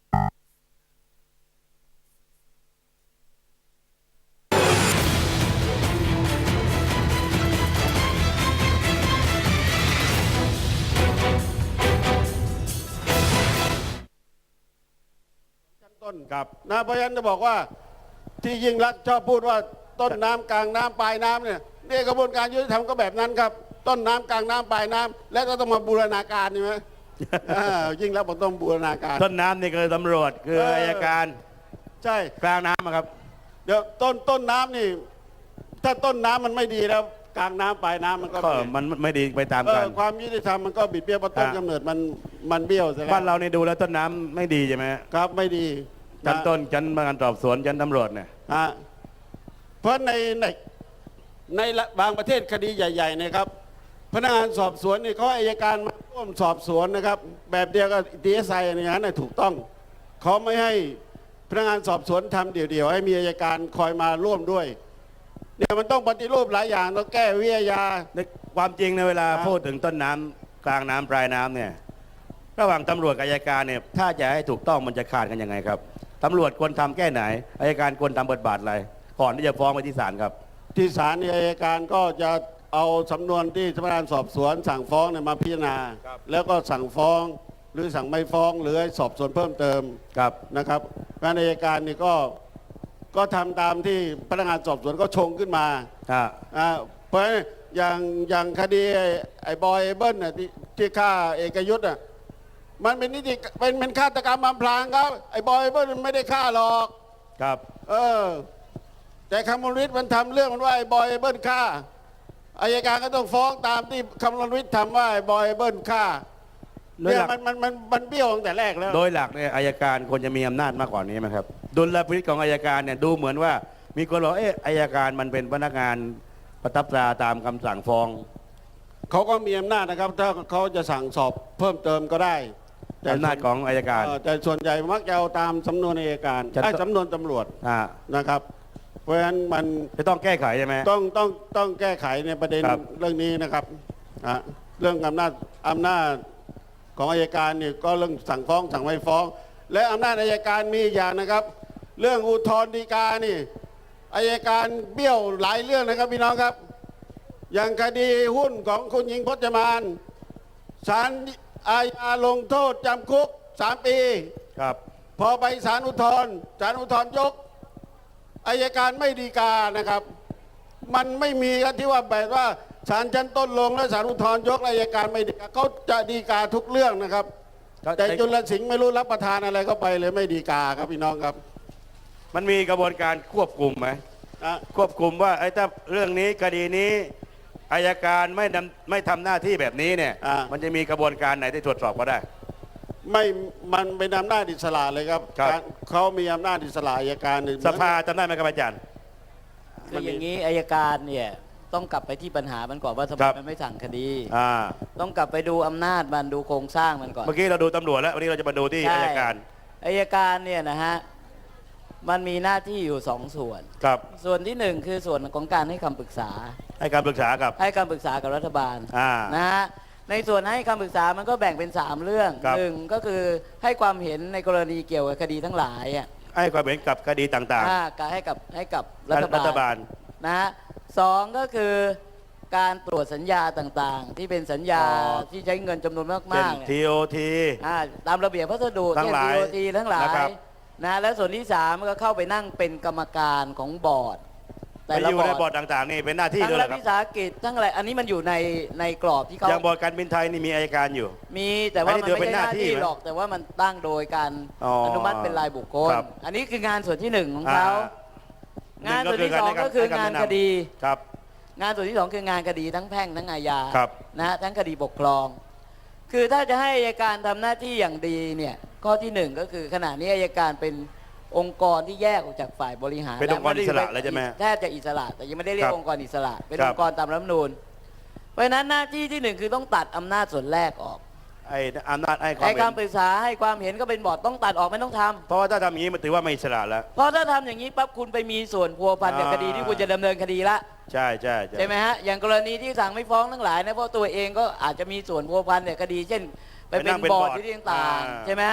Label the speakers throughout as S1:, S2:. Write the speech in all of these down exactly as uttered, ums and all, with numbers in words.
S1: ต้นครับนะเพราะฉะนั้นจะบอกว่าที่ยิ่งรักชอบพูดว่าต้นน้ำกลางน้ำปลายน้ำเนี่ยนี่กระบวนการยุติธรรมก็แบบนั้นครับต้นน้ำกลางน้ำปลายน้ำและก็ต้องมาบูรณาการใช่ไหม ยิ่งรักบอกต้องบูรณาการ
S2: ต้นน้ำนี่คือตำรวจคืออัยการ
S1: ใช่
S2: กลางน้ำครับ
S1: เดี๋ยวต้นต้นน้ำนี่ถ้าต้นน้ำมันไม่ดีแล้วกลางน้ำปลายน้ำมันก็
S2: มันไม่ดีไปตามกัน
S1: ความยุติธรรมมันก็บิดเบี้ยวเพราะต้นกำเนิดมันมันเบี้ยวใช่ไหม
S2: บ้านเราเนี่ยดูแล้วต้นน้ำไม่ดีใช่ไหม
S1: ครับไม่ดี
S2: ชั้นต้นชั้นพนักงานสอบสวนชั้นตำรวจเนี่ย
S1: เพราะในในในบางประเทศคดีใหญ่ๆนะครับพนักงานสอบสวนนี่เขาอัยการมาร่วมสอบสวนนะครับแบบเดียวกับดีเอสไออย่างนั้นถูกต้องเขาไม่ให้พนักงานสอบสวนทำเดี่ยวๆให้มีอัยการคอยมาร่วมด้วยเนี่ยมันต้องปฏิรูปหลายอย่างต้องแก้วิทยา
S2: ในความจริงในเวลาพูดถึงต้นน้ำกลางน้ำปลายน้ำเนี่ยระหว่างตำรวจกับอัยการเนี่ยถ้าจะให้ถูกต้องมันจะขาดกันยังไงครับตำรวจควรทำแก้ไหนอัยการควรทำบทบาทอะไรก่อนที่จะฟ้องไปที่ศาลครับ
S1: ที่ศาลเนี่ยอัยการก็จะเอาสำนวนที่พนักงานสอบสวนสั่งฟ้องเนี่ยมาพิจารณาแล้วก็สั่งฟ้องหรือสั่งไม่ฟ้องหรือให้สอบสวนเพิ่มเติมนะครับงานอัยการนี่ก็ก็ทำตามที่พนักงานสอบสวนก็ชงขึ้นมาเพราะอย่างอย่างคดีไอ้บอยเบิ้ลน่ะที่ที่ฆ่าเอกยุทธ์อ่ะมันเป็นนิติเป็นเป็นฆาตกรรมอำพรางครับไอ้บอยเบิ้ลมันไม่ได้ฆ่าหรอก
S2: ครับ
S1: เออแต่คำมลวิทย์มันทำเรื่องมันว่าไอ้บอยเบิ้ลฆ่าอัยการก็ต้องฟ้องตามที่คำมลวิทย์ทำว่าไอ้บอยเบิ้ลฆ่าเนี่ยมันมันมันมันเบี้ยวตั้งแต่แรกแล้ว
S2: โดยหลักเนี่ยอัยการควรจะมีอำนาจมากกว่านี้ไหมครับดุลพินิจของอัยการเนี่ยดูเหมือนว่ามีคนบอกเอออัยการมันเป็นพนักงานประทับตราตามคำสั่งฟ้อง
S1: เขาก็มีอำนาจนะครับถ้าเขาจะสั่งสอบเพิ่มเติมก็ได้
S2: อำนาจของอัยการ
S1: แต่ส่วนใหญ่มักจะเอาตามสำนวนอัยการไอ้สำนวนตำรวจนะครับเพราะฉะนั้นมัน
S2: จะต้องแก้ไขใช่ไหม
S1: ต้องต้องต้องแก้ไขในประเด็นเรื่องนี้นะครับเรื่องอำนาจอำนาจของอัยการนี่ก็เรื่องสั่งฟ้องสั่งไม่ฟ้องและอำนาจอัยการมีอย่างนะครับเรื่องอุทธรณ์ฎีกานี่อัยการเบี้ยวหลายเรื่องนะครับพี่น้องครับอย่างคดีหุ้นของคุณหญิงพจมานศาลอาญาลงโทษจำคุกสามปี
S2: ครับ
S1: พอไปศาลอุทธรณ์ศาลอุทธรณ์ยกอัยการไม่ฎีกานะครับมันไม่มีกันที่ว่าแบบว่าศาลชั้นต้นลงแล้วศาลอุทธรณ์ยกอัยการไม่ฎีกาเขาจะฎีกาทุกเรื่องนะครับแต่จุลสิงห์ไม่รู้รับประทานอะไรเข้าไปเลยไม่ฎีกาครับพี่น้องครับ
S2: มันมีกระบวนการควบคุมไหมควบคุมว่าไอ้ถ้าเรื่องนี้คดีนี้อัยการไม่ไม่ทำหน้าที่แบบนี้เนี่ยมันจะมีกระบวนการไหนที่ตรวจสอบก็ได้
S1: ไม่มันเป็นอำนาจอิสระเลยครับเขามีอำนาจอิสระอัยการหนึ่ง
S2: สภาจำได้ไหมครับอาจารย์
S3: คืออย่างนี้อัยการเนี่ยต้องกลับไปที่ปัญหามันก่อนว่าทำไมมันไม่สั่งคดีต้องกลับไปดูอำนาจมันดูโครงสร้างมันก่อน
S2: เมื่อกี้เราดูตำรวจแล้ววันนี้เราจะมาดูที่อัยการ
S3: อัยการเนี่ยนะฮะมันมีหน้าที่อยู่สองส่วน
S2: ครับ
S3: ส่วนที่หนึ่งคือส่วนของการให้คำปรึกษา
S2: ให้คำปรึกษากับ
S3: ให้คำปรึกษากับรัฐบาลนะฮะในส่วนให้คำปรึกษามันก็แบ่งเป็นสามเรื่องหนึ่งก็คือให้ความเห็นในกรณีเกี่ยวกับคดีทั้งหลาย
S2: ให้ความเห็นกับคดีต่าง
S3: ๆให้กับให้กับรัฐ
S2: บาล
S3: นะฮะสองก็คือการตรวจสัญญาต่างๆที่เป็นสัญญาที่ใช้เงินจำนวนมากๆ
S2: ที โอ ที
S3: ตามระเบียบพัสดุ
S2: เช่น
S3: ที โอ ที ทั้งหลายนะและส่วนที่สามก็เข้าไปนั่งเป็นกรรมการของบอร์ด
S2: แต่ละอยู่ในบอร์ดต่างๆนี่เป็นหน้าที่ด้วยครับ
S3: ทั้งรัฐวิสาหกิจทั้งอะไรอันนี้มันอยู่ในในกรอบที่เขา
S2: อย่างบอร์ดการบินไทยนี่มีอัยการอยู่
S3: มีแต่ว่ามันไม่ใช่หน้าที่หรอกแต่ว่ามันตั้งโดยการอนุมัติเป็นรายบุคคลอันนี้คืองานส่วนที่หนึ่งของเขางานส่วนที่สองก็คืองานคดี
S2: ครับ
S3: งานส่วนที่สองคืองานคดีทั้งแพ่งทั้งอาญานะฮะทั้งคดีปกครองคือถ้าจะให้อัยการทำหน้าที่อย่างดีเนี่ยข้อที่หนึ่งก็คือขณะนี้อัยการเป็นองค์กรที่แยกออกจากฝ่ายบริหาร
S2: เป็นองค์กรอิสระเลยใช่ไหม
S3: แทบจะอิสระแต่ยังไม่ได้เรียกองค์กรอิสระเป็นองค์กรตามรัฐธรรมนูญเพราะฉะนั้นหน้าที่ที่หนึ่งคือต้องตัดอำนาจส่วนแรกออก
S2: ไอ้อำนาจไอ้
S3: ความการปรึกษาให้ความเห็นก็เป็นบอร์ดต้องตัดออกไม่ต้องทำ
S2: เพราะว่าถ้าทำอย่างนี้มันถือว่าไม่อิสระแล้ว
S3: เพราะถ้าทำอย่างนี้ปั๊บคุณไปมีส่วนพัวพันกับคดีที่คุณจะดำเนินคดีละ
S2: ใช่ใช่
S3: ใช่ไหมฮะอย่างกรณีที่สั่งไม่ฟ้องทั้งหลายนะเพราะตัวเองก็อาจจะมีส่วนพัวพันกับคดีเช่นไปเป็นบอร์ดที่ต่างๆใช่ไหมฮะ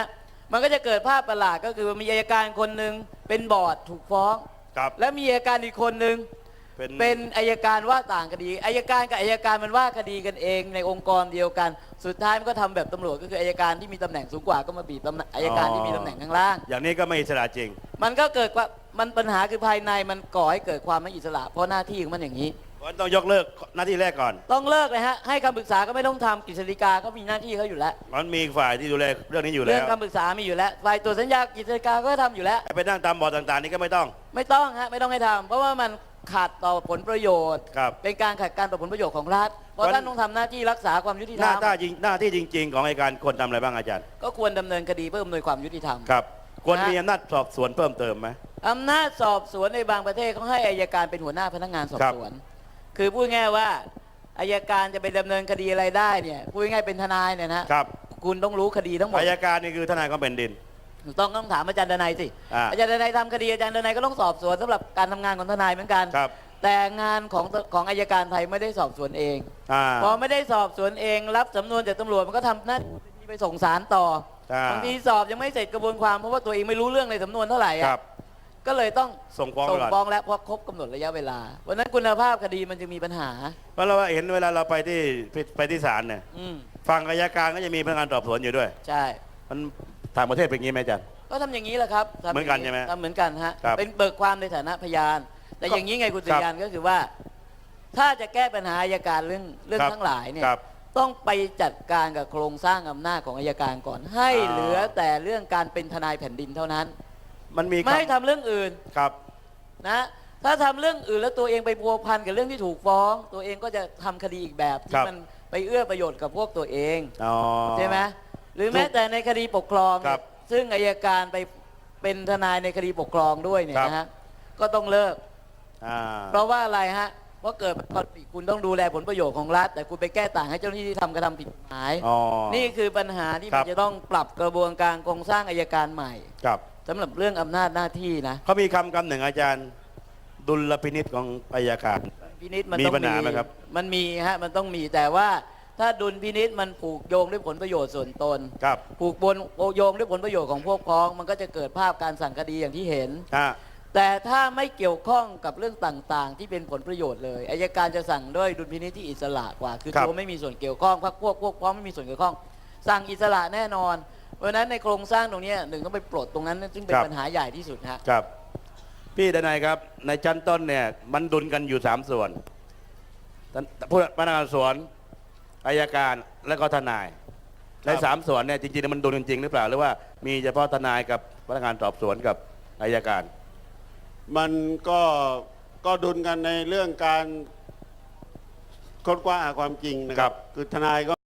S3: มันก็จะเกิดภาพประหลาดก็คือมีอัยการคนหนึ่งเป็นบอร์ดถูกฟ้อง
S2: ครับ
S3: และมีอัยการอีกคนหนึ่ง
S2: เป็น
S3: เป็นอัยการว่าต่างคดีอัยการกับอัยการมันว่าคดีกันเองในองค์กรเดียวกัน สุดท้ายมันก็ทำแบบตำรวจก็คืออัยการที่มีตำแหน่งสูงกว่าก็มาบีบตำแหน่งอัยการที่มีตำแหน่งข้างล่าง
S2: อย่างนี้ก็ไม่อิสระจริง
S3: มันก็เกิดว่ามันปัญหาคือภายในมันก่อให้เกิดความไม่อิสระเพราะหน้าที่ของมันอย่างนี้
S2: เพราะฉะนั้นต้องยกเลิกหน้าที่แรกก่อน
S3: ต้องเลิกเลยฮะให้คำปรึกษาก็ไม่ต้องทำกฤษฎีกาก็มีหน้าที่เขาอยู่แล้ว
S2: มันมีฝ่ายที่ดูแลเรื่องนี้อยู่
S3: เรื่
S2: แล้
S3: อง
S2: ว
S3: คำปรึกษามีอยู่แล้วฝ่ายตรวจสัญญากฤษฎีกาก็ทำอยู่แล้ว
S2: ไปนั่งตามบอร์ดต่างๆ นี่ก็ไม่ต้อง
S3: ไม่ต้องฮะไม่ต้องให้ทำเพราะว่ามันขัดต่อผลประโยชน์
S2: ครับ
S3: เป็นการขัดการต่อผลประโยชน์ของรัฐเพราะ
S2: วัน
S3: ท่านต้องทำหน้าที่รักษาความยุติธ
S2: ห
S3: ร
S2: น้าร
S3: ม
S2: ที่จริงหน้าที่จริง ๆ ของอัยการควรทำอะไรบ้างอาจารย์
S3: ก็ควรดำเนินคดีเพื่ออำนวยความยุติธรรม
S2: ครับควร
S3: นะ
S2: มีอำนาจสอบสวนเพิ่มเติมไหม
S3: อำนาจสอบสวนในบางประเทศเขาให้อายการเป็นหัวหน้าพนักงานสอบ
S2: ครับ
S3: สวน คือพูดง่ายว่าอายการจะไปดำเนินคดีอะไรได้เนี่ยพูดง่ายเป็นทนายเนี่ยนะครับ คุณต้องรู้คดีทั้งหมด
S2: อัยการนี่คือทนายของแผ่นดิน
S3: ต้องต้องถามอาจารย์ดนัยสิ
S2: อ่า
S3: อาจารย์ดนัยทำคดีอาจารย์ดนัยก็ต้องสอบสวนสำหรับการทำงานของทนายเหมือนกัน
S2: ครับ
S3: แต่งานของของอายการไทยไม่ได้สอบสวนเอง
S2: อ่า
S3: พอไม่ได้สอบสวนเองรับสำนวนจากตำรวจมันก็ทำหน้าที่ไปส่งสารต่อ
S2: อ่า
S3: บางทีสอบยังไม่เสร็จกระบวนความเพราะว่าตัวเองไม่รู้เรื่องในสำนวนเท่าไหร่
S2: ค
S3: อะ
S2: รับ
S3: ก็เลยต้อง
S2: ส่งฟ้อง
S3: ส่ง
S2: ก่อน
S3: ฟ้องแล้วเพราะครบกำหนดระยะเวลาวันนั้นคุณภาพคดีมันจะมีปัญหา
S2: เพราะเราเห็นเวลาเราไปที่ไปที่ศาลเนี่ย
S3: อืม
S2: ฝั่งอัยการก็จะมีพนักงานสอบสวนอยู่ด้วย
S3: ใช่
S2: มันต่างประเทศเป็นอย่างนี้ไหมอาจารย์
S3: ก็ทำอย่างนี้แหละครับทำ
S2: เหมือนกันใช่ไหม
S3: ทำเหมือนกันฮะ
S2: ครับ
S3: เป็นเบิกความในฐานะพยาน แต่
S2: ก็
S3: อย่างนี้ไงคุณ
S2: ค
S3: สุ
S2: รับ
S3: ริยันก็คือว่า ถ้าจะแก้ปัญหาอัยการเรื่องเรื่อง
S2: ครับ
S3: ทั้งหลายเนี่ย
S2: ครับ
S3: ต้องไปจัดการกับโครงสร้างอำนาจของอัยการก่อน ให้
S2: อ่า
S3: เหลือแต่เรื่องการเป็นทนายแผ่นดินเท่านั้น
S2: มันมี
S3: ไม่ให้
S2: คำ
S3: ทำเรื่องอื่น
S2: ครับ
S3: นะถ้าทำเรื่องอื่นแล้วตัวเองไปพัวพันกับเรื่องที่ถูกฟ้อง ตัวเองก็จะทำคดีอีกแบบ
S2: ค
S3: ที่
S2: รับ
S3: มันไปเอื้อประโยชน์กับพวกตัวเอง
S2: อ๋อ
S3: ใช่ไหมหรือแม้แต่ในคดีปกครอง
S2: ครับ
S3: ซึ่งอัยการไปเป็นทนายในคดีปกครองด้วยเนี่ย
S2: ครับ
S3: นะฮะก็ต้องเลิก
S2: อ่า
S3: เพราะว่าอะไรฮะเพราะเกิดคอนฟ lict คุณต้องดูแลผลประโยชน์ของรัฐ แต่คุณไปแก้ต่างให้เจ้าหน้าที่ที่ทำกระทำผิดกฎหมาย
S2: อ๋อ
S3: นี่คือปัญหาที่
S2: ครั
S3: มัน
S2: บ
S3: จะต้องปรับกระบวนการโครงสร้างอัยการใหม่
S2: ครับ
S3: สำหรับเรื่องอำนาจหน้าที่นะ
S2: เขามีคำคำหนึ่งอาจารย์ ดุลพินิษของอัยการ
S3: พินิษมัน
S2: มี
S3: ต้อง
S2: ปัญหาไหมครับ
S3: มันมีฮะมันต้องมีแต่ว่าถ้าดุลพินิษมันผูกโยงด้วยผลประโยชน์ส่วนตน
S2: ครับ
S3: ผูกบนโยงด้วยผลประโยชน์ของพวกพ้อง มันก็จะเกิดภาพการสั่งคดีอย่างที่เห็น
S2: อ่า
S3: แต่ถ้าไม่เกี่ยวข้องกับเรื่องต่างๆ ที่เป็นผลประโยชน์เลยอายการจะสั่งด้วยดุลพินิจที่อิสระกว่า คือ
S2: ครับ
S3: ตัวไม่มีส่วนเกี่ยวข้องพรรคพวกพวกพ้องไม่มีส่วนเกี่ยวข้อง สั่งอิสระแน่นอน เพราะฉะนั้นในโครงสร้างตรงเนี้ยหนึ่งต้องไปปลดตรงนั้นซึ่งเป็นปัญหาใหญ่ที่สุดฮะ
S2: ครับ พี่ดนัยครับ ในชั้นต้นเนี่ยมันดุลกันอยู่สามส่วนผู้พนักงานสวนอัยการและก็ทนาย ในสามส่วนเนี่ยจริงๆมันดุลกันจริงหรือเปล่าหรือว่ามีเฉพาะทนายกับพนักงานสอบสวนกับอัยการ
S1: มันก็ก็ดุลกันในเรื่องการค้นคว้าหาความจริงนะค
S2: ครั
S1: รับ
S2: บ
S1: คือทนายก็